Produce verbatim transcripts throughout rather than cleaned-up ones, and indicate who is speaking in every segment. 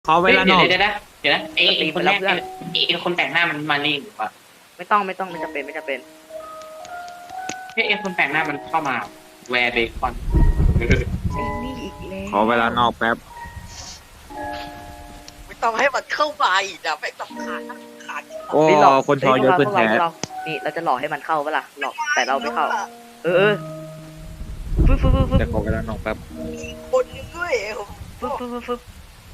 Speaker 1: ขอเว
Speaker 2: เฮ้ย
Speaker 1: ลา
Speaker 2: เดี๋
Speaker 1: น
Speaker 2: ยว
Speaker 1: อก
Speaker 2: เดี๋ยวนะเดี๋ยวนะไอ้ไอ้คนแรกไอ้ไอ้คนแต่งหน้ามันมานี่หรือเปล่า
Speaker 3: ไม่ต้องไม่ต้องไม่จำเป็นไม่จำเป็น
Speaker 2: เฮ้ยไอ้คนแต่งหน้ามันเข้ามาแวร์เบคอน
Speaker 3: ไอ้นี่อีกแล้ว
Speaker 1: ขอเวลานอกแป๊บ
Speaker 4: ไม่ต้องให้มันเข้าไปนะไม่ต้องขาดขาด
Speaker 1: โอ้
Speaker 3: เฮ้ยหลอก
Speaker 1: คนทอเยอะขึ้น
Speaker 3: พวก
Speaker 1: แท้
Speaker 3: เราพวกเรานี่เราจะหลอกให้มันเข้าปะล่ะหลอกแต่เราไม่เข้า เออเออฟึบฟึบฟึบฟึบ
Speaker 1: แต่ขอเวลานอกแป๊บ
Speaker 4: คนนึงด้วย
Speaker 3: ฟึบฟึบฟึบฟึบ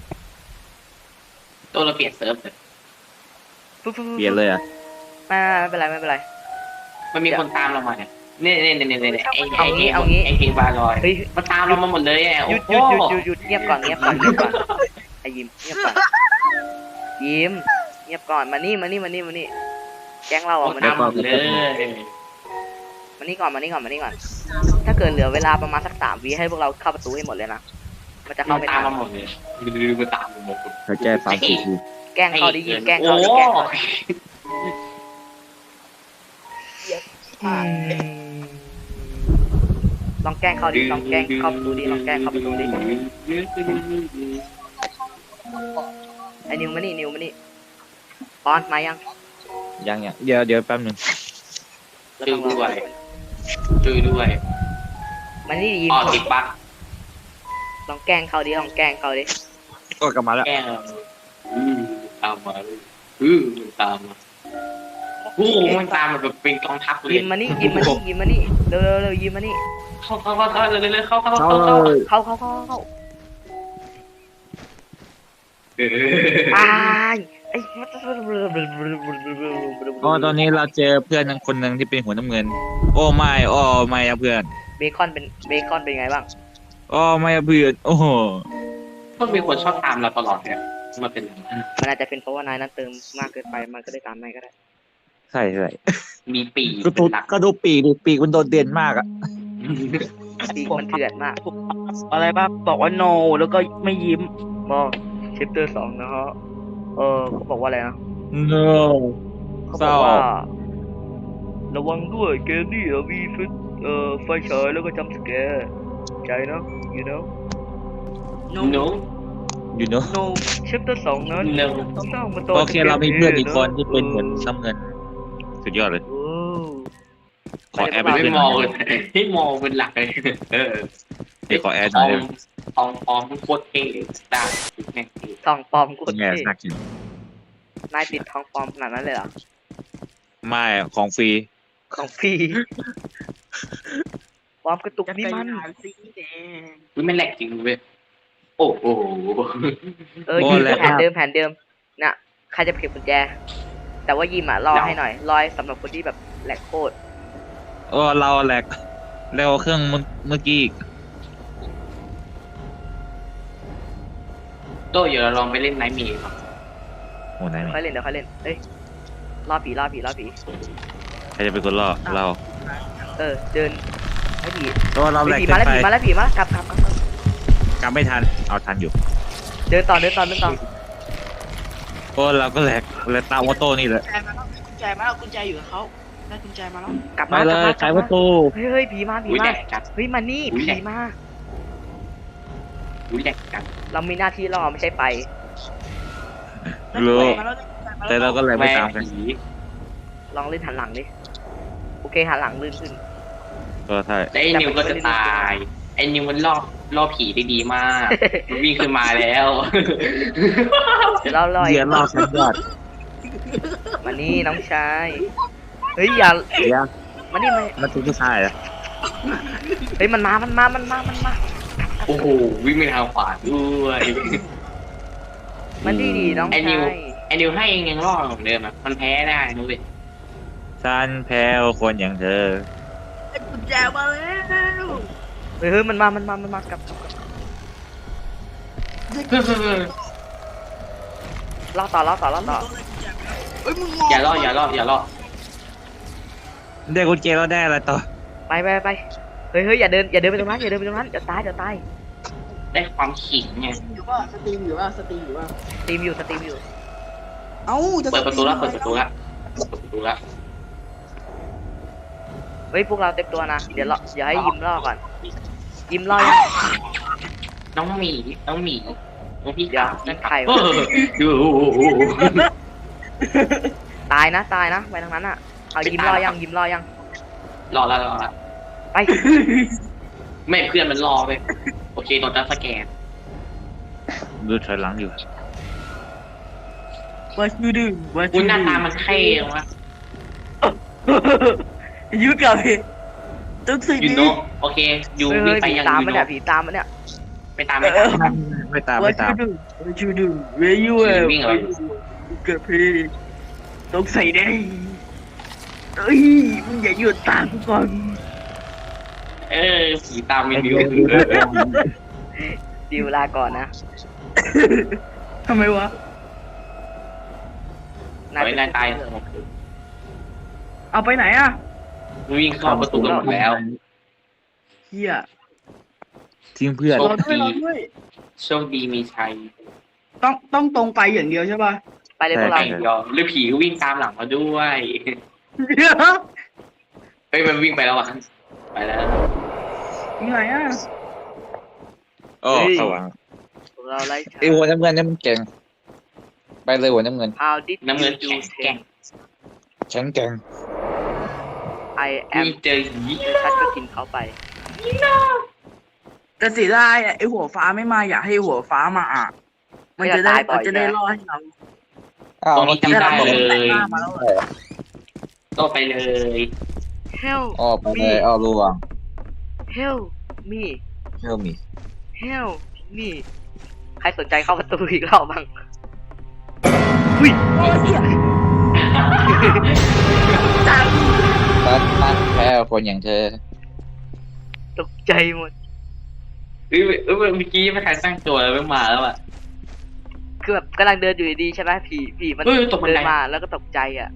Speaker 2: ตัวเราเปลี่ยนเซิร์ฟเลย
Speaker 3: ฟึบฟึบฟึบ
Speaker 1: เปลี่ยนเลยอ่ะ
Speaker 3: ไม่ไม่เป็นไรไม่เป็นไร
Speaker 2: มันมีคนตามเรามาเนี่ยเนี่ยเนี่ยเนี่ยเนี่ยไอ้
Speaker 3: เอา
Speaker 2: ไอ้
Speaker 3: งี้เอางี้
Speaker 2: ไอ้เพลงบาลอย
Speaker 3: เฮ้ย
Speaker 2: มันตามเรามาหมดเลยอ่ะ
Speaker 3: หยุ
Speaker 2: โอ้
Speaker 3: ด
Speaker 2: โห
Speaker 3: หยุดหยุดหยุดหยุดเงียบก่อนเงียบก่อนเงียบก่อนไอ้ยิ้มเงียบก่อนยิ้มเงียบก่อนมานี่มานี่มานี่มานี่แก๊งเราอ่ะมา
Speaker 2: ตา
Speaker 3: นี่
Speaker 2: มหมดเลย
Speaker 3: มานี่ก่อนมานี่ก่อนมานี่ก่อน ถ้าเกิดเหลือเวลาประมาณสักสามวิให้พวกเราเข้าประตูให้หมดเลยนะมันจะ
Speaker 2: มั
Speaker 3: เข้าน ไม่
Speaker 2: ตาม
Speaker 3: ทัน
Speaker 2: มาหมดเลยดูมันตามมาหมด
Speaker 1: ถ้าแก้สามสี่ที
Speaker 3: แกล้งเขาดิยิ้มแกล้ง
Speaker 2: โอ้
Speaker 3: เขาดิแกล้งเขาดิ
Speaker 4: ผ่าน
Speaker 3: ลองแกล้งเขาดิลองแกล้งเข้าประตูดิลองแกล้งเข้าประตูดิไอ้นิวมานี่นิวมานี่ปอนมายัง
Speaker 1: ยังยังเดี๋ยวเดี๋ยวแป๊บนึง
Speaker 3: เรา
Speaker 2: ช่วย
Speaker 3: ต้องร
Speaker 2: ด้ว
Speaker 3: อย
Speaker 2: ช่วยด้วย
Speaker 3: มานี่ยิ้ม
Speaker 2: อ๋อติดบั๊ก
Speaker 3: ลองแกล้งเขาดิลองแกล้งเขาดิ
Speaker 1: ก็กลับมาแล้ว
Speaker 2: แกล้งอืมตามมาอืมตามมาโอ้โหมันตามมันแบบเป็นกองทัพเลย
Speaker 3: ยิ้มมานี่ยิ้มมานี่ยิ้มมานี่เร็วเร็วเร็วยิ้มมานี่
Speaker 2: เข้าเข้าเข้าเข้าเลยเลยเข้าเข้า
Speaker 1: เข้า
Speaker 2: เข้า
Speaker 1: เล
Speaker 2: เข้าย
Speaker 3: เข้าเข้าเข้าเข้า
Speaker 2: เออ
Speaker 3: ตายไอ้
Speaker 1: ก็ตอนนี้เราเจอเพื่อนคนหนึ่งที่เป็นหัวน้ำเงิน โอ้ไม่โอ้ไม่อะเพื่อน
Speaker 3: เบคอนเป็นเบคอนเป็นไงบ้าง
Speaker 1: โอ้ไม่อะเพื่อนโอ้โห
Speaker 2: ก็มีคนชอบตามเราตลอดเนี่ยมาเป็น
Speaker 3: มันอาจจะเป็นเพราะว่านายนั้นเติมมากเกินไปมันก็ได้ตามนายก็ได้
Speaker 1: ใช่ใช่
Speaker 2: มีปี
Speaker 1: ก็
Speaker 2: เป็
Speaker 1: ดู
Speaker 2: นหลัก
Speaker 1: ก็ดูปีกดิปีกมันโดดเด่นมากอ่ะ
Speaker 3: ดีมันเถื่อนมาก
Speaker 5: อะไรบ้างบอกว่า no แล้วก็ไม่ยิ้ม
Speaker 3: บอกชิปเตอร์สองนะฮะเออเขาบอกว่าอะไรนะ
Speaker 1: no
Speaker 3: เขาบอกว่า ระวังด้วยเกมนี้อะมีฟิตเอ่อไฟฉายแล้วก็จำสแกร์ใจนะ you know
Speaker 2: no
Speaker 1: you know
Speaker 5: no
Speaker 3: ชิปเตอร์สองนั้น
Speaker 2: no
Speaker 3: ต้องต้องมาต่
Speaker 1: โอเคเรามีเพื่อนอีกคนที่เป็นหัวน้ำเงิน สุดยอดเลย
Speaker 3: โอ้
Speaker 1: ขอแอด
Speaker 2: ไม่
Speaker 1: เป็นเพื่อนห
Speaker 2: ม
Speaker 1: น่
Speaker 2: อ
Speaker 1: อง ย
Speaker 2: เลยให้มองเป็นหลักเลยเออ
Speaker 1: เดี๋ยวขอแอดห
Speaker 2: ท
Speaker 1: น่
Speaker 2: อ
Speaker 1: อย
Speaker 2: งทองทองโคตรเท่ตาแม่ง
Speaker 3: ทองปลอมกู
Speaker 1: เป็นไง
Speaker 3: เท่
Speaker 1: สักที
Speaker 3: นายติดทองปลอมขนาดนั้นเลยเหรอ
Speaker 1: ไม่ของฟรี
Speaker 3: ของพี่ความกระตุกนี่มัน
Speaker 5: สีแดง
Speaker 2: อุ้ยมันแหลกจริงเว้ยโอ้โห
Speaker 3: เออยิมแผนเดิมแผนเดิมน่ะใครจะเก็บกุญแจ แต่ว่ายิมอ่ะรอให้หน่อยรอสำหรับคนที่แบบแหลกโคตร
Speaker 1: โอ้เราแหลกเร็วเครื่องเมื่อเมื่อกี้อีก
Speaker 2: โตเดี๋ยวเราลองไปเล่นไนท์มีครับ
Speaker 1: โอ้ไหน
Speaker 3: เดี๋ยวค่อยเล่นเดี๋ยวค่อยเล่นเฮ้ยล่อผีล่อผีล่อผี
Speaker 1: ใครจะเป็นคนล่อเรา
Speaker 3: เออเดินให้ผี
Speaker 1: ก็เราแหลก
Speaker 3: ผี
Speaker 1: เกิ
Speaker 3: มาน แล้ว
Speaker 1: ไป
Speaker 3: ผีมาแล้วผีมาแล้วกลับกลับกลับกลับ
Speaker 1: กลับไม่ทันเอาทันอยู่
Speaker 3: เดินต่อเดินต่อเดินต่อ
Speaker 1: โอ้เราก็แหลกแหลกตามออโต้นี่แหละ
Speaker 5: กุญแจมาแล้วกุญแจมาแล้วกุญแจอยู่กับเขาได้กุญแจมาแล้ว
Speaker 3: กลับ
Speaker 1: ไป
Speaker 3: มา
Speaker 1: เล
Speaker 3: กลับ
Speaker 1: ย
Speaker 3: มา
Speaker 1: ไขประตู
Speaker 3: เฮ้ยเฮ้ยผีมาผี
Speaker 2: อุ้ยแหล
Speaker 3: มาก
Speaker 2: จัด
Speaker 3: เฮ้ยมานี่
Speaker 2: อุ๊ยแหล
Speaker 3: ผี
Speaker 2: ก
Speaker 3: มา
Speaker 2: อุ้ยแหลกจัด
Speaker 3: เรามีหน้าที่ล่อไม่ใช่ไป
Speaker 1: รู้
Speaker 5: ได้กุญแจมาแล้ว
Speaker 1: แต่เราก็แหลก
Speaker 2: แม่
Speaker 1: ไม่ตามกัน
Speaker 2: ผี
Speaker 3: ลองเล่นหันหลังดิโอเคหันหลังลื่นขึ้น
Speaker 1: ก็ใช่
Speaker 2: แล้วไอ้นิวก็จะตายไอ้นิวมันล่อล่อผีได้ดีมากมันวิ่งขึ้นมาแล้ว
Speaker 3: เดี๋ยวเราลอย
Speaker 1: เยียนรอบชั้นยอด
Speaker 3: มานี่น้องชายเฮ้ยอย่า
Speaker 1: เยีย
Speaker 3: มานี่มา
Speaker 1: มันเป็นผู้ชายเหรอ
Speaker 3: เฮ้ยมันมา มันมา มันมา มันมา
Speaker 2: โอ้โหวิ่งไปทางขวาด้วย
Speaker 3: มันดีดีน้อง
Speaker 2: ไอ้นิ
Speaker 3: ชา
Speaker 2: วย ไอ้นิวให้เองยังรอดเหมือนเดิมอ่ะมันแพ้ได้นุ้ย
Speaker 1: ฉันแพ้คนอย่างเธอ
Speaker 5: ได้กุญแจมาแล้ว
Speaker 3: เฮ้ยเฮ้ยมันมา มันมา มันมากลับกลับกลับล่อต่อล่อต่อล่อต่อ
Speaker 5: เฮ้ยมึง
Speaker 2: อย่าล่ออย่าล่ออย่าล่อ
Speaker 1: ได้กุญแจเราได้อะไรต่อ
Speaker 3: ไปไปไปเฮ้ยเฮ้ยอย่าเดิน อย่าเดินไปตรงนั้น อย่าเดินไปตรงนั้น เดี๋ยวตาย เดี๋ยวตาย
Speaker 2: ได้ความขิงไง
Speaker 5: อยู่ว่าสตรีมอยู่ว่าสตรีมอยู่ว่า
Speaker 3: สตรีมอยู่ สตรีมอยู่
Speaker 5: เอ้าจะ
Speaker 2: เปิดประตูแล้วเปิดประตูแล้วเปิดประตูแล้ว
Speaker 3: เฮ้ย พวกเราเต็มตัวนะ เดี๋ยวรอเดี๋ยวให้ยิมล่อก่อน ยิมล่อยัง
Speaker 2: น้องหมีน้องหมีของพี่
Speaker 3: เดี๋ยวนั่นใคร
Speaker 2: เอ
Speaker 3: วะ
Speaker 2: อดูโอ้โห
Speaker 3: ตายนะตายนะไปทางนั้นอ่ะเอายิ้มรอยังยิ้มรอยัง
Speaker 2: รอแล้วรอแล้ว
Speaker 3: ไป
Speaker 2: ไม่เพื่อนมันรอไปโอเคตอนจะสแกน
Speaker 1: ดูถอยหลังอยู่
Speaker 5: ว่าชื่อดื้อว่า
Speaker 2: คุ
Speaker 5: ชื่
Speaker 2: ณ
Speaker 5: อ
Speaker 2: หน้าตามันเท่วะ
Speaker 5: ยืดกับพี่ตึกสิ
Speaker 2: ยู
Speaker 5: นี้
Speaker 2: โนโอเคยู
Speaker 3: เฮ้ย
Speaker 2: วิ่
Speaker 3: เฮ้
Speaker 2: ง
Speaker 3: ย
Speaker 2: ไป
Speaker 3: ผี
Speaker 2: ยัง
Speaker 3: ตาม
Speaker 2: ยู
Speaker 3: มัน
Speaker 2: โน
Speaker 3: เนี่ยผีตามมันเนี่ย
Speaker 2: ไปตามไม่ตาม
Speaker 1: ไม่ตาม
Speaker 5: ว่า
Speaker 1: ไม่ตา
Speaker 5: ชื่
Speaker 1: ม
Speaker 5: อดื้อว่าชื่อดื้อเวยูเอลกับพี่ต้องใส่ได้เอ้ยมึงอย่าหยุดตามกูก่อน
Speaker 2: เออผีตามไม่ดิว
Speaker 3: ดิวลาก่อนนะ
Speaker 5: ทำไมวะ
Speaker 2: ไว้นายตาย
Speaker 5: เอาไปไหนอ่ะ
Speaker 2: วิ่งเข้าประตูกันหมดแล้ว
Speaker 5: เฮีย
Speaker 1: ทิ้งเพื่อน
Speaker 2: โช
Speaker 5: รอ
Speaker 2: ค
Speaker 5: ด้วย
Speaker 2: ดี
Speaker 5: รอด้วย
Speaker 2: โชคดีมีชัย
Speaker 5: ต้องต้องตรงไปอย่างเดียวใช่ป่ะ
Speaker 3: ไปเลยพวกเรา
Speaker 2: ไอ้ยอมหรือผีก็วิ่งตามหลังมาด้วย
Speaker 5: เดี๋ยว
Speaker 2: เฮ้ยมันวิ่งไปแล้วอ่ะไปแล้ว
Speaker 5: มีไหนอ่ะ
Speaker 1: โอ้สว่าง
Speaker 3: พวกเราไล่
Speaker 1: ไอ้หัวน้ำเงินนี่มันเก่งไปเลยหัวน้ำเงิน
Speaker 3: How did
Speaker 2: น้ำเงิน
Speaker 3: you
Speaker 2: แข็ง
Speaker 3: do
Speaker 2: แกร่ง
Speaker 1: แข็งแกร่ง
Speaker 3: I
Speaker 2: มี
Speaker 3: am
Speaker 2: เจอหี
Speaker 3: ชัดก็กินเขาไป
Speaker 5: แต่เสียดายอ่ะไอหัวฟ้าไม่มาอยากให้หัวฟ้ามาอ่ะมันจะได้มันจะได้รอดให้เรา
Speaker 1: อ้าว
Speaker 2: ตรงนี้จำได้
Speaker 1: มื่อ
Speaker 2: เล
Speaker 1: กี้
Speaker 2: ย
Speaker 5: หน้ามาแล้วเหรอ
Speaker 2: ก็ไปเลย
Speaker 3: Help
Speaker 1: อ้อไปเลยอ้อรู้ว่ะ
Speaker 3: Help me
Speaker 1: เชื่อมี
Speaker 3: Help me ใครสนใจเข้าประตูอีกรอบบ้างอุ้ย
Speaker 5: โอ้ยเหี้ย
Speaker 1: ตัดตัดแพ้คนอย่างเธอ
Speaker 3: ตกใจหมด
Speaker 2: เอ้ยเอ้ยเมื่อกี้ไม่ทันตั้งตัวแล้วไม่มาแล้วอ่ะ
Speaker 3: คือแบบกำลังเดินอยู่ดีๆใช่ไหมผีผีมัน
Speaker 2: เฮ้ยตกบันได
Speaker 3: เดินมาแล้วก็ตกใจอ่ะ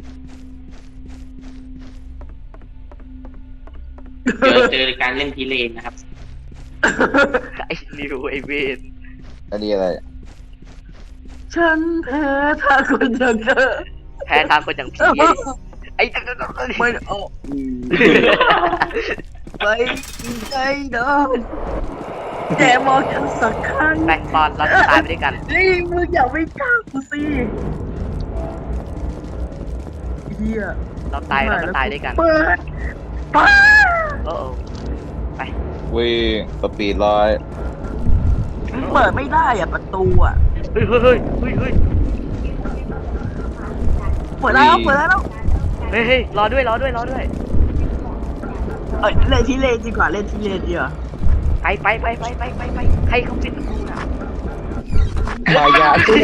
Speaker 2: เดี๋ยวเจอการเล่นพีเลนนะครับ
Speaker 3: ไอ้นิวไอ้เวน
Speaker 1: ก็ดีอะไร
Speaker 5: ฉันแพ้ถ้าคนอย่างเธอ
Speaker 3: แพ้ทางคนอย่างผีไอ้
Speaker 5: ไม่ออกไปใจโดนแต่มองฉันสักครั้ง
Speaker 3: แบ่งบอลเราจะตายไปด้วยกัน
Speaker 5: นี่มึงอย่าไม่กล้ากูสิเฮีย
Speaker 3: เราตายเราก็ตายด้วยกัน
Speaker 5: เปิดป้า
Speaker 3: โอ้โอ้
Speaker 1: วิ่งสปีดร้อย
Speaker 5: เปิดไม่ได้อ่ะประตูอ่ะ
Speaker 3: เฮ้ยเฮ้ยเฮ้ยเฮ้ยเฮ้ย
Speaker 5: เปิดแล้วเปิดแล้ว
Speaker 3: เฮ้ยเฮ้ยรอด้วยรอด้วยรอด้วย
Speaker 5: เอ้ยเล่นที่เลนดีกว่าเล่นที่เลนดีกว่า
Speaker 3: ไปไปไปไปไปไปไปใครเขาปิดประตูน่ะ
Speaker 1: มายาตู้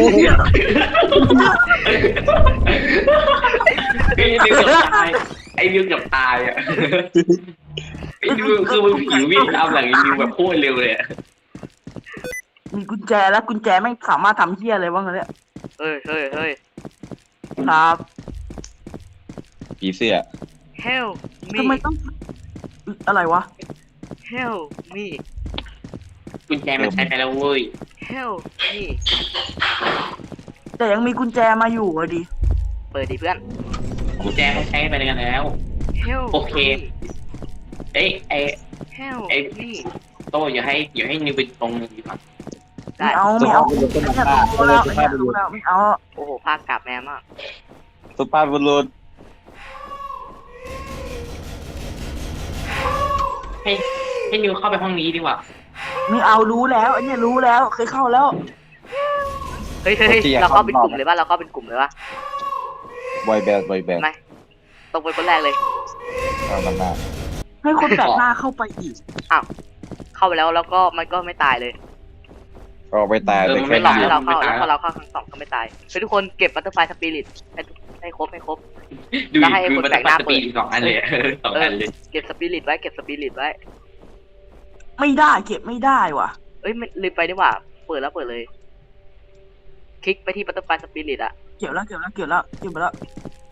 Speaker 2: ไอ้ดิวเกือบตายไอ้ดิวเกือบตายอ่ะไอ้ดิวคือมันผีวิ่งตามหลังไอ้ดิวแบบโคตรเร็วเลยอะ
Speaker 5: มีกุญแจแล้วกุญแจไม่สามารถทำเฮียอะไรบ้างเนี่ย
Speaker 3: เฮ้ยเฮ้ยเฮ้ย
Speaker 5: ครับ
Speaker 1: ผีเสื้อ
Speaker 3: help
Speaker 5: ทำไม
Speaker 3: me
Speaker 5: ต้องอะไรวะ
Speaker 3: help me
Speaker 2: กุญแจมันใช้ไปแล้วเว้ย
Speaker 3: help me
Speaker 5: แต่ยังมีกุญแจมาอยู่อ่ะดิ
Speaker 3: เปิดดิเพื่อน
Speaker 2: กุญแจเขาใช้ไปกันแล้ว
Speaker 3: help
Speaker 2: โอเค
Speaker 3: me
Speaker 2: เอ้ยไอ้
Speaker 3: help
Speaker 2: ไอ้
Speaker 3: me
Speaker 2: โตอย่าให้อย่าให้นิวไปตรงนึงดีกว่า
Speaker 3: ได้
Speaker 5: ไม่เอาไม่เอาไม่เอาแล้วไม่เอาแล้วไม่เอา
Speaker 3: โอ้โหภาคกลับแม่มาก
Speaker 1: สุภาพบุรุษ
Speaker 2: ให้ให้นิวเข้าไปห้องนี้ดีกว่า
Speaker 5: ไม่เอารู้แล้วไอ้เนี่ยรู้แล้วเคยเข้าแล้ว
Speaker 3: เฮ้ยเฮ้ยเฮ้ยเราเข้าเป็นกลุ่มเลยป่ะเราเข้าเป็นกลุ่มเลยป่ะ
Speaker 1: บอยแบนด์บอยแบนด์
Speaker 3: ไม่ตรงไปคนแรกเลย
Speaker 1: เอามันมา
Speaker 5: ให้คนแปลกหน้าเข้าไปอีก
Speaker 3: เข้าไปแล้วแล้วก็มันก็ไม่ตายเลย
Speaker 1: ออกไปตาย
Speaker 2: เออ
Speaker 1: ไป
Speaker 2: มัน
Speaker 1: แค่
Speaker 2: ไม่
Speaker 3: หล
Speaker 2: ตา
Speaker 3: อก
Speaker 2: ย
Speaker 3: ให้เราเข้าแล้วพอเราเข้าครั้งสองก็ไม่ตายเฮ้ยทุกคนเก็บบัตเตอร์ไฟสปิริตให้ให้ครบให้ครบ
Speaker 2: ดู
Speaker 3: แล้ว
Speaker 2: ดิ
Speaker 3: ให้
Speaker 2: คือ
Speaker 3: คน
Speaker 2: มัน
Speaker 3: แปล
Speaker 2: ได้
Speaker 3: กหน้า
Speaker 2: สปีดสองอันเลยสองอันเลย
Speaker 3: เก็บสปิริตไว้เก็บสปิริตไว้
Speaker 5: ไม่ได้เก็บไม่ได้ว่ะ
Speaker 3: เอ้ยไม่ลืมไปดีกว่า เปิดแล้วเปิดเลย คลิกไปที่บัตเตอร์ไฟสปิริตอะ
Speaker 5: เก็บแล้วเก็บแล้วเก็บแล้วเก็บแล้ว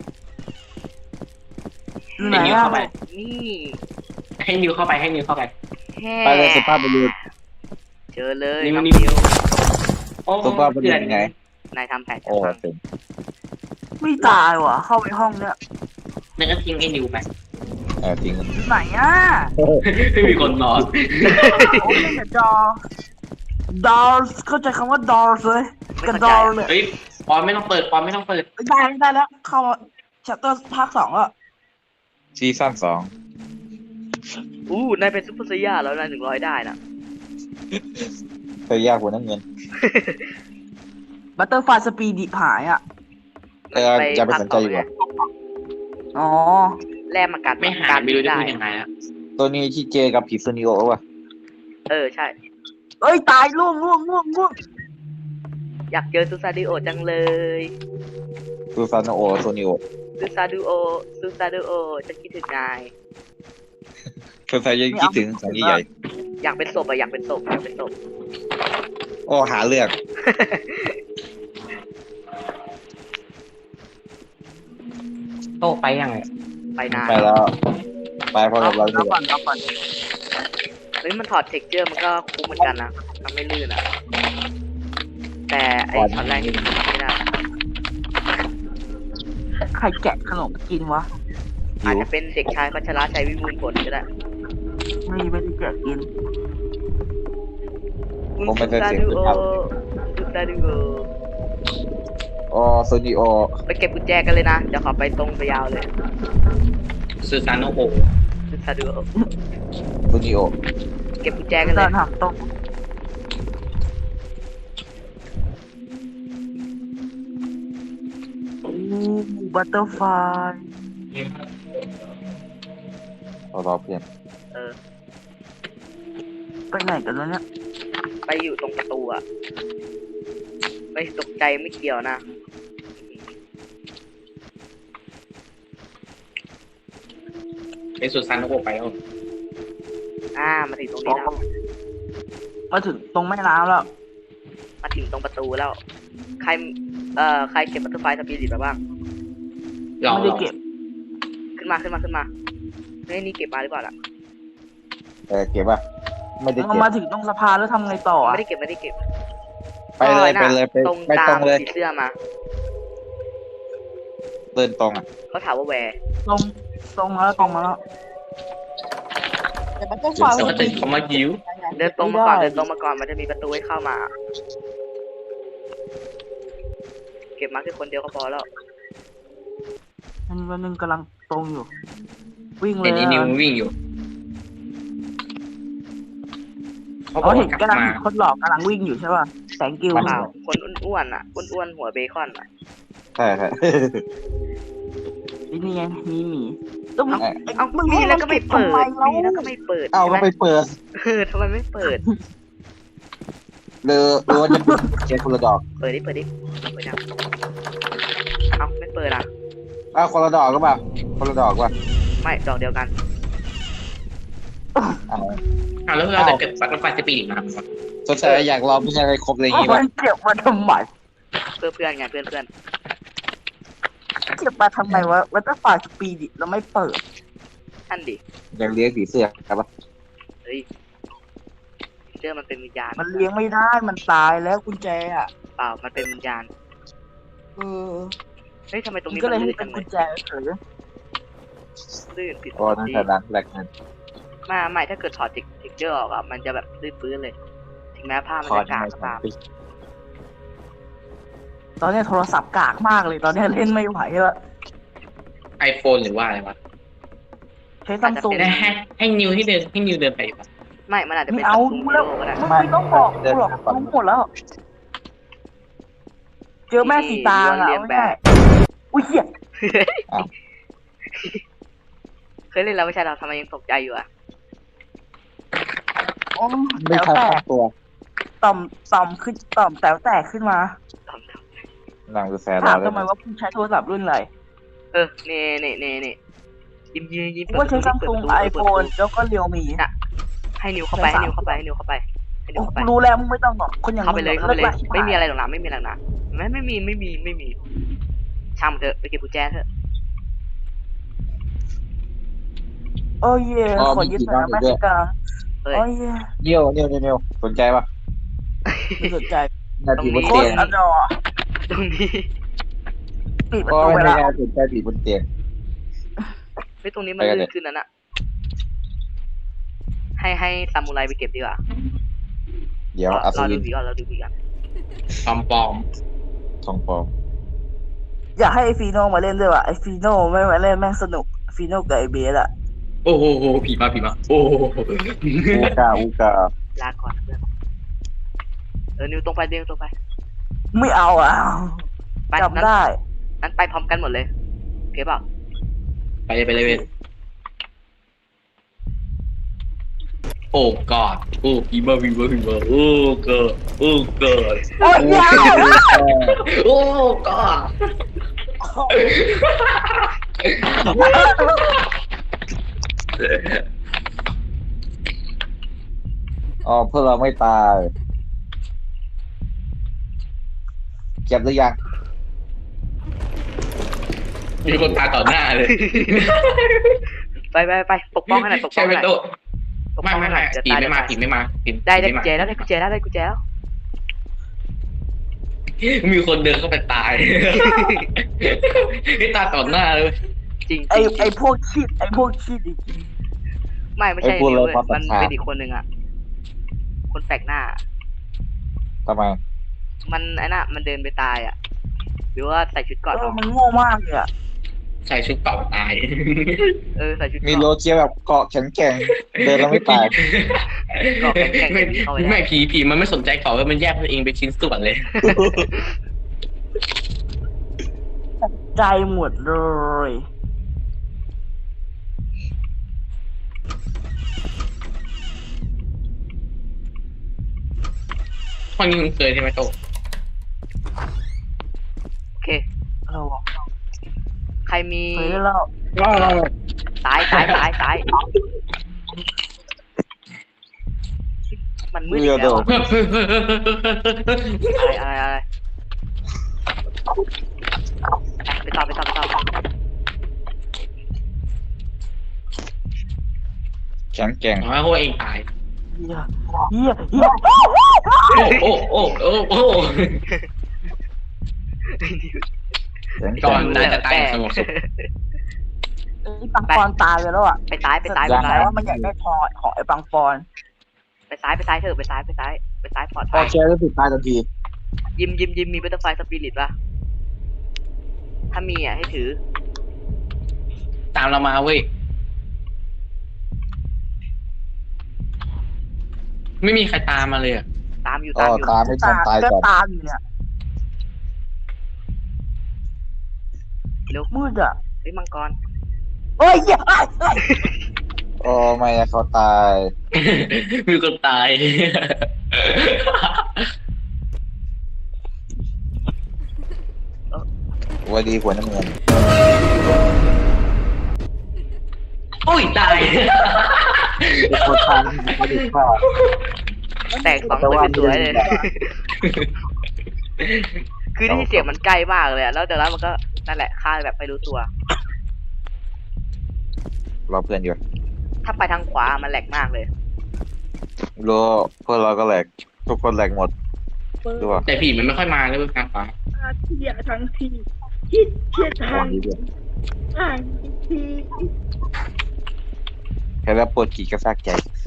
Speaker 5: ไหน
Speaker 2: ให้นิว
Speaker 5: อ่ะ
Speaker 2: เข้าไป
Speaker 3: นี่
Speaker 2: ให้นิวเข้าไปให้นิวเข้าไป
Speaker 3: แฮ่
Speaker 1: ไปเลยสุภาพบุรุษ
Speaker 3: เจอเลย
Speaker 2: นิว
Speaker 3: น้อง
Speaker 2: นิว
Speaker 3: นิว
Speaker 2: โอ้
Speaker 1: สุภาพบุรุษไง
Speaker 3: นายทำแผนจะ
Speaker 1: โอ้
Speaker 3: พัง
Speaker 1: เป็น
Speaker 5: ไม่ตายว่ะเข้าไปห้องเนี่ย
Speaker 2: นั่นก็ทิ้งไอ้นิวไป
Speaker 1: เออจริง
Speaker 5: ไหนอ่ะ
Speaker 2: ไม่มีคนนอน
Speaker 5: โอ้ยเล่นแต่จอดอลเข้าใจคำว่าดอลเลยกับดอลเนี่ย
Speaker 2: เฮ้ยปอนไม่ต้องเปิดปอนไม่ต้องเปิด
Speaker 5: ได้ได้แล้วเข้าชัตเตอร์ภาคสองแล้ว
Speaker 1: ซีซั่นสอง
Speaker 3: อู้นายเป็นซุปเปอร์ไซย่าแล้วนายหนึ่งร้อยได้นะ
Speaker 1: เคยยากหัวน้ำเงิน
Speaker 5: บัตเตอร์ไฟสปีดิหายอ่ะ
Speaker 1: เออจะไปสนใจอยู่
Speaker 3: ไง
Speaker 1: ว่ะ
Speaker 5: อ๋อ
Speaker 3: แลกมากัด
Speaker 2: ไม่หา
Speaker 3: การ
Speaker 2: ไม่รู้จะ
Speaker 3: ได้
Speaker 2: พูดยังไงแล้ว
Speaker 1: ตัวนี้ที่เจอกับผีซูนิโอว่ะ
Speaker 3: เออใช่
Speaker 5: เอ้ยตายล่วงล่วงล่วงล่วง
Speaker 3: อยากเจอซูซาดิโอจังเลย
Speaker 1: ซูซานโอซูนิโอ
Speaker 3: ซูซาดิโอซูซาดิโอจะคิดถึงนาย
Speaker 1: คนไทยยังคิดถึงของใหญ่
Speaker 3: อยากเป็นศพอะอยากเป็นศพอยากเป็นศพ
Speaker 1: โอ้หาเรื่อง
Speaker 2: โตไปยังไง
Speaker 3: ไปนาน
Speaker 1: ไปแล้ว ไปพร้อมกับเรา
Speaker 5: เอา
Speaker 1: ดีก
Speaker 5: ก่อ
Speaker 1: ว่าน
Speaker 5: เอาก่อน
Speaker 3: เฮ้ยมันถอดเท็กเจอร์มันก็คุ้มเหมือนกันนะทำไม่ลื่นอะแต่ไอ้ช็อตแรกนี่มันทำไม่ได้
Speaker 5: ใครแกะขนมกินวะ
Speaker 3: อาจจะเป็นเด็กชายพัชระชัยวิบูลย์ผลก็ได้
Speaker 5: ไม่ไม่ได้แกะกิน
Speaker 1: ผมไม่เคยเสียง
Speaker 3: ซู
Speaker 1: สุด
Speaker 3: ซา
Speaker 1: ครับ
Speaker 3: ดิโอซูซาดิโอ
Speaker 1: โอ้ซูนิโอ
Speaker 3: ไปเก็บกุญแจกันเลยนะเดี๋ยวขอไปตรงไปยาวเลย
Speaker 2: ซูซานโนโอ
Speaker 3: ซูซาดิโอ
Speaker 1: ซูนิโอ
Speaker 3: เก็บกุญแจกันเล
Speaker 5: เดิ
Speaker 3: ย
Speaker 5: นหักตรงอู้บัตเตอร์ไฟ
Speaker 1: เรารอเพื่อน
Speaker 3: เออ
Speaker 5: ไปไหนกันแล้วเนี่ย
Speaker 3: ไปอยู่ตรงประตูอะไม่ตกใจไม่เกี่ยวนะ
Speaker 2: เป็นซูซานโนโอไปแล้ว
Speaker 3: อ่ามาถึงตรงนี้แล้ว
Speaker 5: มาถึงตรงแม่น้ำแล้ว
Speaker 3: มาถึงตรงประตูแล้ว ใครเอ่อใครเก็บบัตเตอร์ไฟสปิริตมาบ้าง
Speaker 2: หล่อ
Speaker 5: ไม่ได้เก็บ
Speaker 3: ขึ้นมาขึ้นมาขึ้นมาเฮ้ยนี่เก็บมาหรือเปล่าล่ะ
Speaker 1: เออเก็บป่ะไม่ได้
Speaker 5: เรา
Speaker 1: เก็บ
Speaker 5: มาถึงตรงสะพานแล้วทำไงต่ออะ
Speaker 3: ไม่ได้เก็บไม่ได้เก็บ
Speaker 1: ไปเลย
Speaker 3: ก็
Speaker 1: ไป
Speaker 3: น่ะ
Speaker 1: เลยไป
Speaker 3: ตรง
Speaker 1: ไป
Speaker 3: ตา
Speaker 1: ตร
Speaker 3: ม
Speaker 1: งเลย
Speaker 3: สีเสื้อมา
Speaker 1: เดินตรงอ่ะ
Speaker 3: เขาถามว่าแวร์
Speaker 5: ตรงตรงมาแล้วตรงมาแล้ว
Speaker 4: แต่มันต้อง
Speaker 2: ส
Speaker 4: ฟัง
Speaker 2: วัสดีเขามาหิว
Speaker 3: เดินตรงมาก่อนเดินตรงมาก่อนมันจะมีประตูให้เข้ามา เก็บมาแค่คนเดียวก็พอแล้ว
Speaker 5: อันนี้วันหนึงกำลังตรงอยู่ วิ่งเล
Speaker 2: เห็
Speaker 5: ย
Speaker 2: นไอ้นิว
Speaker 5: อะ
Speaker 2: วิ่งอยู่เขาบ
Speaker 5: อ๋
Speaker 2: อ
Speaker 5: อก เห็
Speaker 2: ว่าน กลับ
Speaker 5: กำลัง
Speaker 2: มา
Speaker 5: คนหลอกกำลังวิ่งอยู่ใช่ป่ะแสงกิว
Speaker 3: เปล่าคนอ้วนๆอ่ะอ้วนๆหัวเบคอนอ่ะ
Speaker 1: ใช่ใช่
Speaker 5: นี่ไงมีหมีต้อง
Speaker 3: เอ้า
Speaker 5: ไอ้
Speaker 3: เอ้า
Speaker 5: มึง
Speaker 3: มีแล้วก็ไม่เปิด
Speaker 5: ทำแล้ว
Speaker 3: มีแล้วก็ไม่เปิด
Speaker 1: เอาก็
Speaker 3: ใช่ไหม
Speaker 1: ไปเปิด
Speaker 3: เออทำไมไม่เปิด
Speaker 1: หรือหรือว่าจะเป็นเจคนละดอก
Speaker 3: เปิดดิเปิดดิเปิดยังเอ้าไม่เปิดอ่ะ
Speaker 1: อ้าวคนละดอกก็ป่ะคนละดอกป่ะ
Speaker 3: ไม่ดอกเดียวกัน
Speaker 1: อ้าว
Speaker 2: อ้าวแล้วเราจะเก็บบัตเตอร์ไฟสปีดมาทำไมวะ
Speaker 1: สนใจอยากลองไม่ใช่อะไรครบอะไรอย่าง
Speaker 5: เอา
Speaker 1: งี้
Speaker 5: มั
Speaker 1: ป่ะ
Speaker 5: นเก็บมาทำไม
Speaker 3: เพื่อนเพื่อนไงเพื่อนเพื่อน
Speaker 5: เก็บมาทำไมวะวัตเตอร์ฟาสปีดิเราไม่เปิด
Speaker 3: ท่านดิ
Speaker 1: อยากเลี้ยงผีเสื้อครับป่ะ
Speaker 3: เฮ้ยเชื่อมันเป็นวิญญาณ
Speaker 5: มันเลี้ยงไม่ได้มันตายแล้วกุญแจอ่ะ
Speaker 3: เปล่ามันเป็นวิญญาณ
Speaker 5: เออ
Speaker 3: เฮ้ยทำไมตรง
Speaker 5: มัน
Speaker 3: นี้
Speaker 5: ก็
Speaker 3: มัน
Speaker 5: เลยให้
Speaker 3: ลื่น
Speaker 5: เป็
Speaker 3: จั
Speaker 5: น
Speaker 3: งเล
Speaker 5: กุ
Speaker 3: ย
Speaker 5: ญแจเฉย
Speaker 3: ลื่นผิดป
Speaker 1: โอ้
Speaker 3: ก
Speaker 1: นั่น
Speaker 3: ติ
Speaker 1: แต่ดังแรกนั่น
Speaker 3: มาใหม่ถ้าเกิดถอดเทคเจอร์ออกอ่ะมันจะแบบลื่นปื้นเลย ถึงแม้ผ้ามัน
Speaker 1: คอ
Speaker 3: จะ
Speaker 1: ร์ด
Speaker 3: กาก
Speaker 1: ไม่
Speaker 3: ก็
Speaker 1: สอง
Speaker 3: ตาม
Speaker 1: ปี
Speaker 5: ตอนนี้โทรศัพท์กากมากเลย ตอนนี้เล่นไม่ไหวแล้ว
Speaker 2: ไอโฟนหรือว่าอะไรวะ
Speaker 5: ใช้ซัมซุง
Speaker 2: ให้ให้ให้นิวที่เดินให้นิวเดินไปดีกว่า
Speaker 3: ไม่ มันอาจจะ
Speaker 5: ไม่
Speaker 3: เป็น
Speaker 5: เอา
Speaker 3: ซู
Speaker 5: รู้
Speaker 3: ม
Speaker 5: แล้ว
Speaker 3: โลก็ได้
Speaker 5: มึงไม่ต้องบอกกูหรอกรู้หมดแล้ว เจอแม่สีตางอ่ะไม่ได้อุ้ยเหี้ย
Speaker 3: เคยเล่นแล้วไม่ใช่เราทำไมยังตกใจอยู่อ่ะ
Speaker 5: โอ้
Speaker 1: ไม่
Speaker 5: แต๋ว
Speaker 1: ทัน
Speaker 5: แต
Speaker 1: ตั้
Speaker 5: ก
Speaker 1: งตัว
Speaker 5: ต่อมต่อมขึ้นต่อมแต๋วแตกขึ้นมา
Speaker 1: หลังดูแส
Speaker 5: ถาม
Speaker 1: เรา
Speaker 5: ทำไมว่าคุณใช้โทรศัพท์รุ่นอะไร
Speaker 3: เออเน่เน่เน่เน่ยิ้มยิ้มยิ้ม
Speaker 5: กูว่าใช้ซัมซุงไอโฟนแล้วก็เรียวมี
Speaker 3: ให้นิวเข้าไปให้นิวเข้าไปให้นิวเข้าไปให้นิวเข้าไป
Speaker 5: รู้แล้วมึงไม่ต้องหรอกคนอย่าง
Speaker 3: เข้าไปเลยเข้าไปเลย
Speaker 5: ลิกชิบห
Speaker 3: ไม่มีอะไรหรอกนะไม่มีอะไรหรอกนะไม่ไม่มีไม่มีไม่มีช่างมันเถอะไปเก็บกุญแจเถอะ
Speaker 5: โอ้ยเย่ขอยึดหน่อยนะแม่สีตาง
Speaker 3: เฮ้ย
Speaker 5: โอ้ยเย่
Speaker 1: เนียวเนียวเนียวเนียวสนใจป่ะ
Speaker 5: ไม่สนใจ
Speaker 1: นาทีบน
Speaker 5: โค
Speaker 1: เตี
Speaker 5: ต
Speaker 1: ยง
Speaker 5: รอดอ
Speaker 3: ตรงนี้
Speaker 5: ปิดประ
Speaker 1: ก็
Speaker 5: ตูไป
Speaker 1: ไม่
Speaker 5: แล้ว
Speaker 1: ได้สนใจผีบนเตียง
Speaker 3: เฮ้ยตรงนี้มันลื่นขึ้นนั่นอะให้ให้ซามูไรไปเก็บดีกว่า
Speaker 1: เดี๋ยวอัศ
Speaker 3: เรา
Speaker 1: วิ
Speaker 3: ดู
Speaker 1: น
Speaker 3: ผีก่อนเราดูผีก่อน
Speaker 2: ปลอมปลอม
Speaker 1: ทองปลอม
Speaker 5: อยากให้ไอฟีโน่มาเล่นด้วยว่ะไอฟีโน่ไม่มาเล่นแม่งสนุกฟีโน่กับไอเบสอะ
Speaker 2: โอ้โหผีมาผีมาโอ้โห
Speaker 1: อูกาอูกา
Speaker 3: ลาก่อนนะเพื่อนเออนิวตรงไปเดินตรงไป
Speaker 5: ไม่เอาอ่ะ
Speaker 3: ไป
Speaker 5: จำได้
Speaker 3: นั้นไปพร้อมกันหมดเลยโอเคเปล่า
Speaker 2: ไปเลยไปเลยเว้ยโอ้กอดโอ้ผีมาผีมาผีมาโอ้เกิดโอ้เกิด
Speaker 5: โอ้ยยาว
Speaker 2: โอ้กอด
Speaker 1: อ๋อเพื่อเราไม่ตายเก็บหรือยัง
Speaker 2: มีคนตายต่อหน้าเลย
Speaker 3: ไปไปไปปกป้องให้หน่อยปกป้
Speaker 2: ใช่
Speaker 3: อง
Speaker 2: ไหม
Speaker 3: ให้หน่อย
Speaker 2: โต
Speaker 3: ปก
Speaker 2: ไม่
Speaker 3: ป้อง
Speaker 2: ไม่
Speaker 3: ให้หน่
Speaker 2: ไม่
Speaker 3: อยจะ
Speaker 2: ผี
Speaker 3: ตาย
Speaker 2: ไม่มา
Speaker 3: จะตาย
Speaker 2: ผีไม่มาผี
Speaker 3: ได้ได้
Speaker 2: ผี
Speaker 3: กุญแจแล้วได้กุญแจแล้วได้กุญแจแล้ว
Speaker 2: มีคนเดินเข้าไปตายไอ้ตาต่อหน้าเลย
Speaker 3: จริง
Speaker 5: ไอ
Speaker 3: จริง
Speaker 5: ไอพวกชีดไอพวกชีดอีก
Speaker 3: ไม่ไม่ใช่นิวเลยมันเป็นอีกคนหนึ่งอ่ะคนแปลกหน้า
Speaker 1: ทำไม
Speaker 3: มันไอ้น่ะมันเดินไปตายอ่ะหรือว่าใส่ชุดเกราะ
Speaker 5: เออ
Speaker 3: เอา
Speaker 5: มันโง่มากเลยอะ
Speaker 2: ใส่ชุดเก่าตาย
Speaker 3: เออใส่ชุด
Speaker 1: มี
Speaker 3: เก
Speaker 1: โล
Speaker 3: ราะ
Speaker 1: เจียแบบเกาะแข็งแกร่งเดินแล้วไม่ตาย
Speaker 3: เกราะแข็งๆ
Speaker 2: ไม่
Speaker 3: จะมีเข้าไปได้
Speaker 2: ไม่ผีผีมันไม่สนใจเกาะมันแยกตัวเองเป็นชิ้นส่วนเลย
Speaker 5: ใจหมดเลย
Speaker 2: ห้องนี้คุณเคยใช่ไหมโต
Speaker 3: โอเค
Speaker 5: เรา
Speaker 3: ใครมี
Speaker 5: เคยเล่า
Speaker 3: ซ้ายซ้ายซ้ายซ้ายมันมืดอีกแล้วอะอะไรอะไรอะไรไปต่อไปต่อไปต่อ
Speaker 1: แข็งแกร่ง
Speaker 2: อ๋อโหเองตาย
Speaker 5: เฮียเฮียเฮีย
Speaker 2: โอ้โอ้โอ้โอ้โอ้
Speaker 1: แข็งแก
Speaker 2: ก่อ
Speaker 1: ร่
Speaker 2: น
Speaker 1: ง
Speaker 2: น่าจะตายสงบสุข
Speaker 5: ไอปังปอนตายไปแล้วอ่ะ
Speaker 3: ไปซ้ายไปซ้ายไป
Speaker 5: แต่
Speaker 3: ซ้าย
Speaker 5: ว่ามันอยากได้พอของไอปังปอน
Speaker 3: ไปซ้ายไปซ้ายเถอะไปซ้ายไปซ้ายไปซ้ายปลอด
Speaker 1: พ
Speaker 3: ภั
Speaker 1: อย แชร์แล้วติดตายทันที
Speaker 3: ยิมยิมยิมมีบัตเตอร์ไฟสปิริตป่ะถ้ามีอ่ะให้ถือ
Speaker 2: ตามเรามาเว้ยไม่มีใครตามมาเลยอ่ะ
Speaker 3: ตามอยู่
Speaker 1: อ๋
Speaker 3: ตา
Speaker 1: อ
Speaker 3: มอยู่
Speaker 1: ตามไม่ทันตาย
Speaker 5: ก็
Speaker 1: ก่อน
Speaker 5: ตามอยู่เนี่ย
Speaker 3: เร็ว
Speaker 5: มืดอ่ะ
Speaker 3: เฮ้ยมังกร
Speaker 5: เฮ้ยเฮียเฮ้ยเฮ้ย
Speaker 1: โอ้ไม่นะเขาตาย
Speaker 2: มีคนตาย
Speaker 1: วันดีหัวน้ำเงิน
Speaker 2: โอ้ยตาย
Speaker 1: เป็นคนทางไม่ได้ฆ่า
Speaker 3: แตกสองตัวสวยๆเลย คือได้ยินเสียงมันใกล้มากเลยอะแล้วจากนั้นมันก็นั่นแหละฆ่าแบบไม่รู้ตัว
Speaker 1: เราเพื่อนอยู่
Speaker 3: ถ้าไปทางขวามันแหลกมากเลย
Speaker 1: โลพวกเราก็แหลกทุกคนแหลกหมดดูว่า
Speaker 2: แต่ผีมันไม่ค่อยมาเลยเว้ยกลางฟ้า
Speaker 5: เฮียทั้งทีคิดเฮีย
Speaker 1: ข
Speaker 5: ทั้
Speaker 1: อง
Speaker 5: ง
Speaker 1: ดีด้วย
Speaker 5: ทั้งที
Speaker 1: แค่แล้วปวดขีดกระซากใจ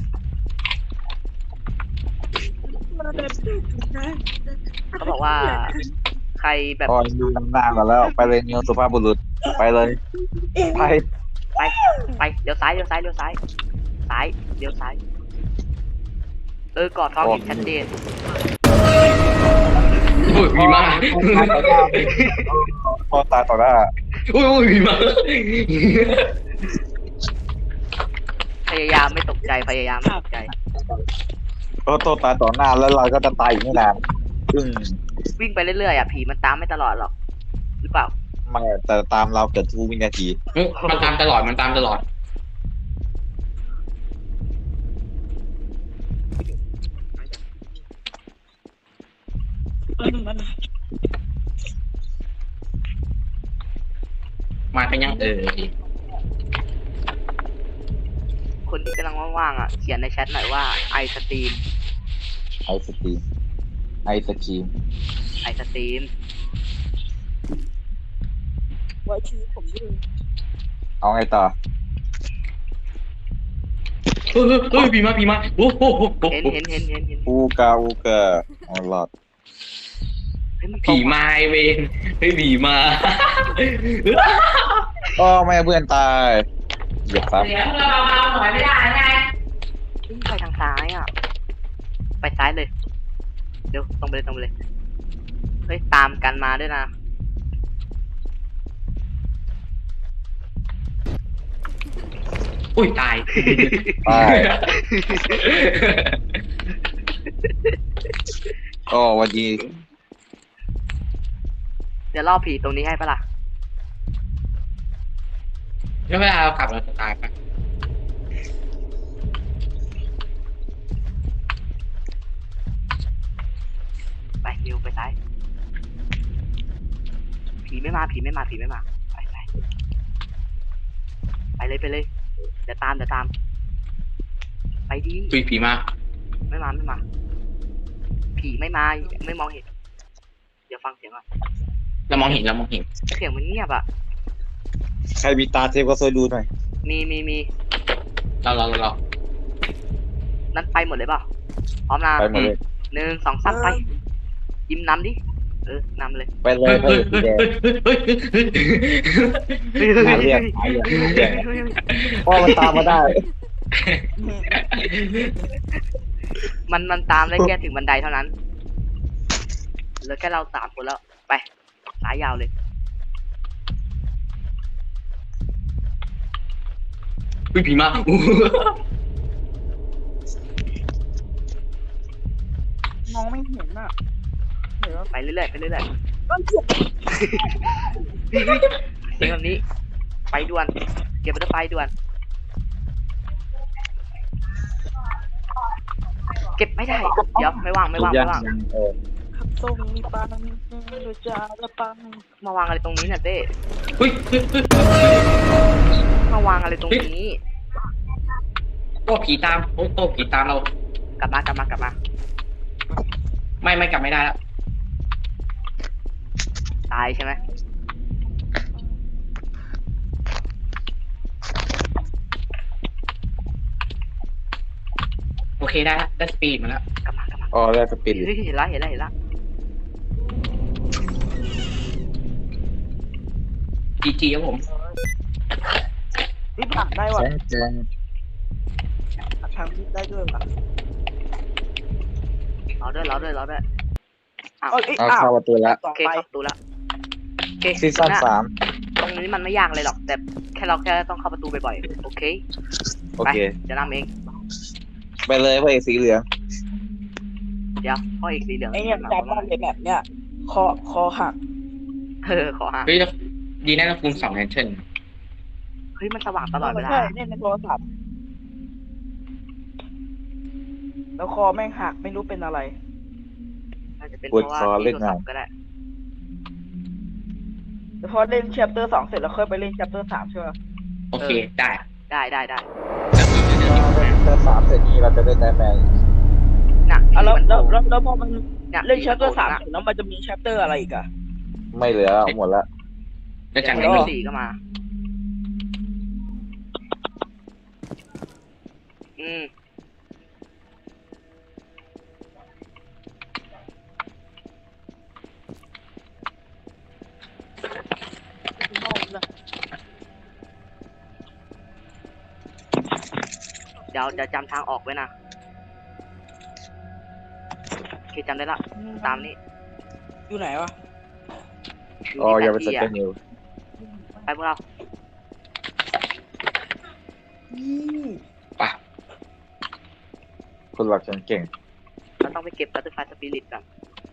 Speaker 3: เขาบอกว่า ใครแบบ
Speaker 1: อ๋อดูน้ำหน้าก่อนแล้วไปเลยนิวสุภาพบุรุษไปเลยไป
Speaker 3: ไปไปเดี๋ยวซ้ายเดี๋ยวซ้ายเดี๋ยวซ้ายซ้ายเดี๋ยวซ้ายเออกอดทองเห็นชัดเจน
Speaker 2: โอ้ยมีมา
Speaker 1: พอตายต่อหน้า
Speaker 2: โอ้ยโอ้ยมีมา
Speaker 3: พยายามไม่ตกใจพยายามไม่ตกใจ
Speaker 1: โอ้โตตายต่อหน้าแล้วเราก็จะตายอีกไม่นานซึ่ง
Speaker 3: วิ่งไปเรื่อยๆอ่ะผีมันตามไม่ตลอดหรอกหรือเปล่า
Speaker 1: ไม่แต่ตามเราเกิดทุกวินาที
Speaker 2: มันตามตลอดมันตามตลอดมากันยังเออ
Speaker 3: คนที่กำลังว่างๆอ่ะเขียนในแชทหน่อยว่าไอสตรีม
Speaker 1: ไอสตรีมไอสตรีม
Speaker 3: ไอสตรีม
Speaker 5: ไว้ชีวิตผมด้วย
Speaker 1: เอาไงต่อ
Speaker 2: เฮ้ยเฮ้ยผีมาผีมาโอ้โห
Speaker 3: เห็นเห็นเห็นเห็นเห็น
Speaker 1: อูกาอูกาออลอด
Speaker 3: เฮ้ยมัน
Speaker 2: ผีมาไอเวนเฮ้ยผีมา
Speaker 1: อ๋อไม่เพื่อนตายเหยียบซับ
Speaker 6: เดี๋ยวเราเบาๆหน่อยไม่ได้ไง
Speaker 3: เฮ้ยไปทางซ้ายอ่ะ ไปซ้ายเลยเดี๋ยวตรงไปเลยตรงไปเลยเฮ้ยตามกันมาด้วยนะ
Speaker 2: อุ้ยตาย
Speaker 1: ตายอ๋อวันดี
Speaker 3: เดี๋ยวล่อผีตรงนี้ให้ปะล่ะ
Speaker 2: แล้วเวลาเรากลับเราจะตายปะ
Speaker 3: ไปนิวไปซ้ายผีไม่มาผีไม่มาผีไม่มาไปไปไปเลยไปเลยเดี๋ยวตามเดี๋ยวตาม ไปดี
Speaker 2: อุ้ยผีมา
Speaker 3: ไม่มาไม่มา ผีไม่มาไม่มองเห็น เดี๋ยวฟังเสียงก่อน
Speaker 2: เรามองเห็นเรามองเห็น
Speaker 3: เสียงมันเงียบอ่ะ
Speaker 1: ใครมีตาเทพก็ช่วยดูหน่อย
Speaker 3: มีมีมี
Speaker 2: เราเราเรา
Speaker 3: นั่นไปหมดเลยเปล่าพร้อมนะ
Speaker 1: ไปหมดเลย
Speaker 3: หนึ่งสองสามไป ยิ้มนำดิเออนำเลย
Speaker 1: ไปเลยไปเลยสีแดงหาเรียกหาเรียกหาเรียกพ่อมันตามมาได้
Speaker 3: มันมันตามได้แค่ถึงบันไดเท่านั้นเหลือแค่เราสามคนแล้วไปสายยาวเลย
Speaker 2: อุ้ยผีมา
Speaker 5: มองไม่เห็นอ่ะเดี๋ยว
Speaker 3: ไปเรื่อยๆไปเรื่อย
Speaker 5: ก็เจ็บ
Speaker 3: ๆเฮ้ยเสียงแบบนี้ ไปด่วนเก็บไปไปด่วน เก็บไม่ได้ เดี๋ยวไม่ว่างไม่ว่างไม่ว่าง
Speaker 1: เออ
Speaker 5: ขับส่งมีปังโดยจะละปัง
Speaker 3: มาวางอะไรตรงนี้เนี่ยเต้
Speaker 2: อุ้ย
Speaker 3: มาวางอะไรตรงนี้
Speaker 2: โอ้ผีตามโอ้โอ้ผีตามเรา
Speaker 3: กลับมากลับมากลับมา
Speaker 2: ไม่ไม่กลับไม่ได้แล้ว
Speaker 3: ตายใช่ไหม
Speaker 2: โอเคได้แล้วได้สปีดมาแล้ว
Speaker 3: กลับมากลับมา
Speaker 1: อ๋อได้สปิน
Speaker 3: เฮ้ยเห็นละเห็นละเห็นละ
Speaker 2: จีจีครับผม
Speaker 5: นี่ผ่านได้ว่ะ
Speaker 1: แจ้งแจ้ง
Speaker 5: ทางที่ได้ด้วยว่ะ
Speaker 3: รอด้วยรอด้วยรอด้วยอ้าว
Speaker 5: เอ้ย
Speaker 1: เอา
Speaker 5: อ้าว
Speaker 1: เข้าประตูแล้ว
Speaker 5: ต่
Speaker 3: โอ
Speaker 5: อ
Speaker 3: เค
Speaker 5: ไป
Speaker 3: เข้าประตูแล้วโอเค
Speaker 1: ซีซั่น
Speaker 3: ะ
Speaker 1: สาม
Speaker 3: ตรงนี้มันไม่ยากเลยหรอก แต่แค่เราแค่ต้องเข้าประตูบ่อยๆโอเค
Speaker 1: โอ
Speaker 3: ไป
Speaker 1: เค
Speaker 3: จะนำเอง
Speaker 1: ไปเลยพระเอกสีเหลือง
Speaker 3: เดี๋ยวพ่อเอกสีเหลือง
Speaker 5: ไอ้เนี่ยจำได้เลยแบบเนี้ยคอคอหัก
Speaker 3: เออขอหา
Speaker 2: เฮ้ยดีแน่เราคูณสองแอนเทน
Speaker 3: เฮ้ยมันสว่างตลอดเวลา
Speaker 5: ใช่เนี่ยในโทรศัพท์แล้วคอแม่งหักไม่รู้เป็นอะไร
Speaker 3: น่าจะเป็น
Speaker 1: ป
Speaker 3: เพ
Speaker 1: วด
Speaker 3: ราะว่า
Speaker 1: คอเล่
Speaker 3: ที่
Speaker 1: น
Speaker 3: โทร
Speaker 1: งา
Speaker 3: ศั
Speaker 1: น
Speaker 3: พท์ก็ได้
Speaker 5: แต่พอเล่นแชปเตอร์สองเสร็จแล้วค่อยไปเล่นแชปเตอร์สามใช่ไหม
Speaker 2: โอเคได้
Speaker 3: ได้ได้ได้
Speaker 1: เตอร์สามเสร็จนี้เราจะเล่นได้แมน
Speaker 3: น่ะ
Speaker 5: อ่ะแล้ว
Speaker 3: มัน
Speaker 5: แล้ว
Speaker 3: โผ
Speaker 5: แล้วแล้วพอมัน
Speaker 3: น่ะ
Speaker 5: เล่นแชปเตอร์สาม
Speaker 3: น่ะ
Speaker 5: เสร็จแล้วมันจะมีแชปเตอร์อะไรอีกอะ
Speaker 1: ไม่เหลือหมดละ
Speaker 2: แล้วจากไหน
Speaker 3: เดี๋ยว
Speaker 2: ก็
Speaker 3: สี่ก็มา อืม เดี๋ยวเดี๋ยวจำทางออกไว้นะโอเคจำได้ละ ตามนี้
Speaker 5: อยู่ไหนวะ
Speaker 1: อ๋ออย่าไปส
Speaker 3: ที่
Speaker 1: เตนนิว
Speaker 3: ไปพวกเรา
Speaker 2: ไป
Speaker 1: คนหลักฉันเก่ง
Speaker 3: เราต้องไปเก็บบัตเตอร์ไฟสปิริตก่อน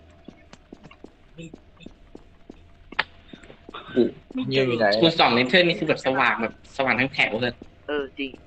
Speaker 1: นิวอยู่ไหน
Speaker 2: คูณสองแอนเทนนี่คือแบบสว่างแบบสว่างทั้งแถวเลย
Speaker 3: เออ จริง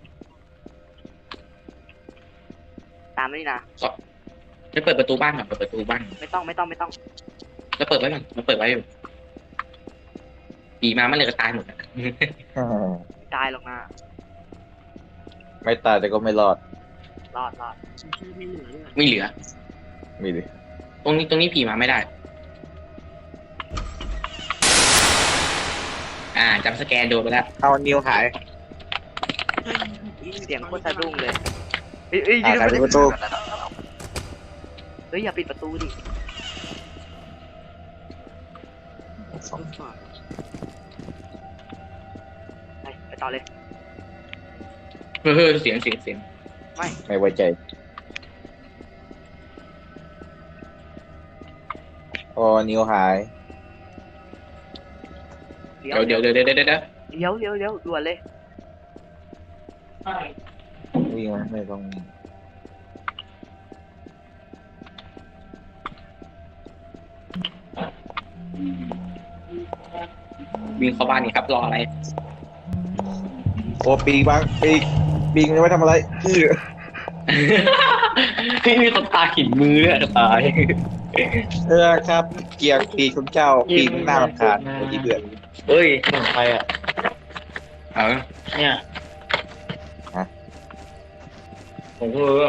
Speaker 3: ตามนี่นะ
Speaker 2: จะเปิดประตูบ้านก่อนเปิดประตูบ้าน
Speaker 3: ไม่ต้องไม่ต้องไม่ต้อง
Speaker 2: แล้วเปิดไว้ก่อนมันเปิดไว้อยู่ผีมามันเลยก็ตายหมดอะ
Speaker 3: ไม่ตายหรอกนะ
Speaker 1: ไม่ตายแต่ก็ไม่รอด
Speaker 3: รอดรอด
Speaker 2: ไม่เหลือ
Speaker 1: มีดิ
Speaker 2: ตรงนี้ตรงนี้ผีมาไม่ได้ อ่าจำสแกนโดนไปแล้ว
Speaker 1: เอานิวหาย
Speaker 3: เสียงโคตรสะดุ้งเลยอ้ยเอ้ย
Speaker 1: อ่าใครเป็นประตู
Speaker 3: เฮ้ยอย่าปิดประตูดิ
Speaker 1: สอง
Speaker 3: ไปไปต่อเลย
Speaker 2: เฮ้ยเสียงเสียงเสียง
Speaker 1: ไม่ไว้ใจโอ้นิ้วหาย
Speaker 3: เดี๋ยว
Speaker 2: เดี๋ยวเดี๋ยวเดี๋ยวเดี๋ยวเดี๋ยว
Speaker 3: เดี๋ยวเดี๋ยวเดี๋ยวด่วนเลย
Speaker 1: วิ่งมาไม่ต้อง
Speaker 2: วิ่งเข้าบ้านนี่ครับรออะไร
Speaker 1: โอ้ปีกบ้างปีกปีกมันไว้ทำอะไรอื้อ
Speaker 2: พี่มีคนตาหินมือเนี่ยตาย
Speaker 1: เออครับ เกียร์ปีกของเจ้าปีกหน้ารำคาญไอ้ที่เดือด
Speaker 2: เฮ้ย
Speaker 7: ของใครอ่ะ
Speaker 2: เอา
Speaker 7: เนี่ย
Speaker 2: ผมเออ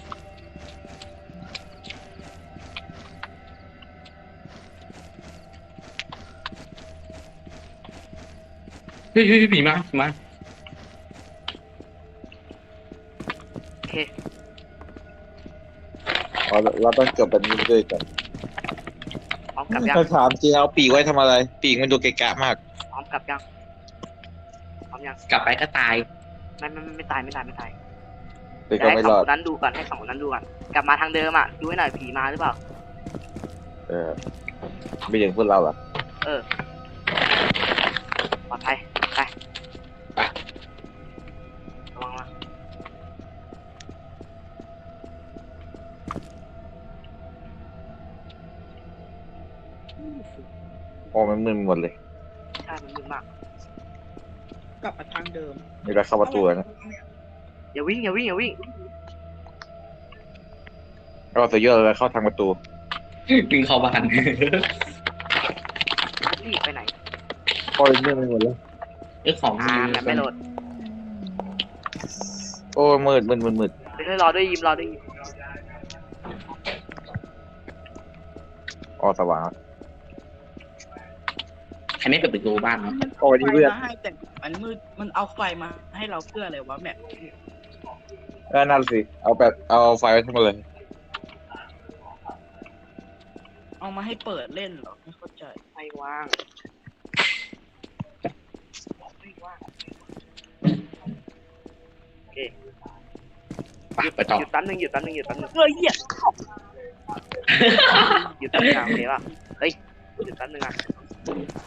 Speaker 2: เฮ้ยเฮ้ยผีมาผีมา
Speaker 3: โอเค
Speaker 1: เราเราต้องจบแบบนี้ด้วยกัน
Speaker 3: พร้อมกลับยัง
Speaker 1: ถ้าถามจริงเอาปีกไว้ทำอะไร ปีกมันดูเกะกะมาก
Speaker 3: พร้อมกลับยังพร้อมยัง
Speaker 2: กลับไปก็ตาย
Speaker 3: ไม่ไม่ไม่ไม่ตายไม่ตายไม่ตาย
Speaker 1: เป็น
Speaker 3: เดี๋
Speaker 1: ก็
Speaker 3: ยวให้
Speaker 1: ไม่
Speaker 3: ส
Speaker 1: ร
Speaker 3: อ
Speaker 1: อง ด
Speaker 3: คนนั้นดูก่อนให้สองคนนั้นดูก่อนกลับมาทางเดิมอ่ะดูให้หน่อยผีมาหรือเปล่า
Speaker 1: เออไม่ถึงพวกเราหรอ
Speaker 3: เออปลอดภัยไประวังนะ
Speaker 1: โอ้มันมึนหมดเลย
Speaker 3: ใช่มันมึนมาก
Speaker 5: กลับมาทางเดิม
Speaker 1: นี่เราเข้าประตูแล้วนะ
Speaker 3: อย่าวิ่งอย่าวิ่งอย่าวิ่ง
Speaker 1: เราสุดยอดเลยเข้าทางประตู
Speaker 2: วิ่งเข้าบ้าน
Speaker 3: รีบไปไหน
Speaker 1: โอ้ยมึนไปหมดเลย
Speaker 2: เอ้ของ
Speaker 3: อ่าแบบไม่โหลด
Speaker 1: โอ้ยมืดมืดมืดมืด
Speaker 3: เดี๋ยวรอด้วยยิมรอด้วยยิม
Speaker 1: อ๋อสว่าง
Speaker 2: ใครไม่เปิดประตูบ้านเนาะ
Speaker 1: โอ้ย
Speaker 5: ไฟ
Speaker 1: นี่เพื่อน
Speaker 5: มาให้แต่มันมืดมันเอาไฟมาให้เราเพื่ออะไรวะแมป
Speaker 1: เออนั่นสิ เอาแบบเอาไฟไว้ทั้งหมดเลย
Speaker 5: เอามาให้เปิดเล่นเหรอไม่เข้าใจ
Speaker 3: ไม่ว่างไม่ว่างโอเค
Speaker 2: ไปไปต่อ
Speaker 3: หยุดแป๊บนึงหยุดแป๊บนึงหยุดแป๊บนึง
Speaker 5: เฮ้ยเหี้ย
Speaker 3: หยุดแป๊บนึงอ่ะโอเคป่ะเฮ้ยหยุดแป๊บนึงอ่ะ